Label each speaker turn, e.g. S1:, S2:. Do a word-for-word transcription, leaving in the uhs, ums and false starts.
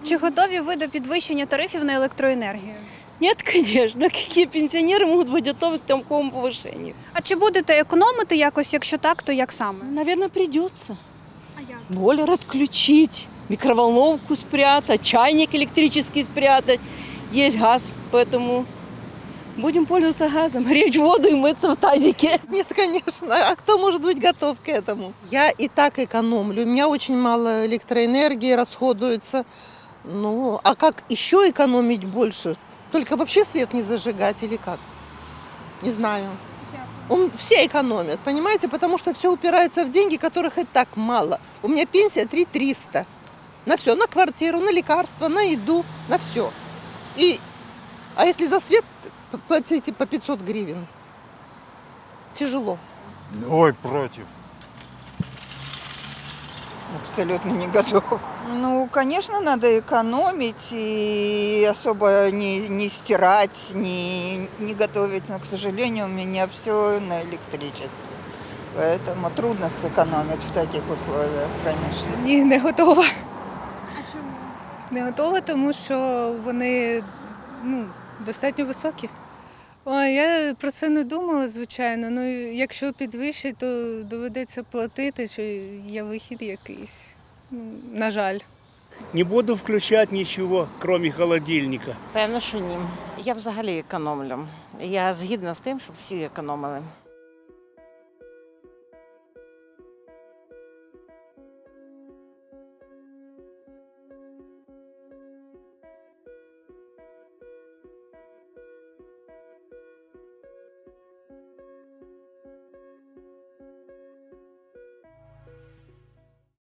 S1: Чи готові ви до підвищення тарифів на електроенергію?
S2: Нет, конечно. Какие пенсионеры могут быть готовы к такому повышению?
S1: А чи будете економити якось, якщо так, то як саме?
S2: Наверное, придется.
S1: А як?
S2: Бойлер отключить, микроволновку спрятать, чайник электрический спрятать. Есть газ, поэтому будем пользоваться газом, греть воду и мыться в тазике.
S3: Нет, конечно. А кто может быть готов к этому? Я и так экономлю. У меня очень мало электроэнергии расходуется. Ну, а как еще экономить больше? Только вообще свет не зажигать или как? Не знаю. Он, все экономят, понимаете? Потому что все упирается в деньги, которых и так мало. У меня пенсия три триста. На все, на квартиру, на лекарства, на еду, на все. И, а если за свет платите по пятьсот гривен? Тяжело.
S4: Ой, против.
S5: Абсолютно не готов. Ну, конечно, надо экономить и особо не, не стирать, не, не готовить. Но, к сожалению, у меня все на электричестве. Поэтому трудно сэкономить в таких условиях, конечно.
S6: Ні, не готова.
S1: А чому?
S6: Не готова, тому що вони ну, достатньо високі. Ой, я про це не думала, звичайно. Ну, якщо підвищить, то доведеться платити, що є вихід якийсь. Ну, на жаль.
S7: Не буду включать ничего, кроме холодильника.
S8: Певно, що ні. Я взагалі економлю. Я згідна з тим, щоб всі економили.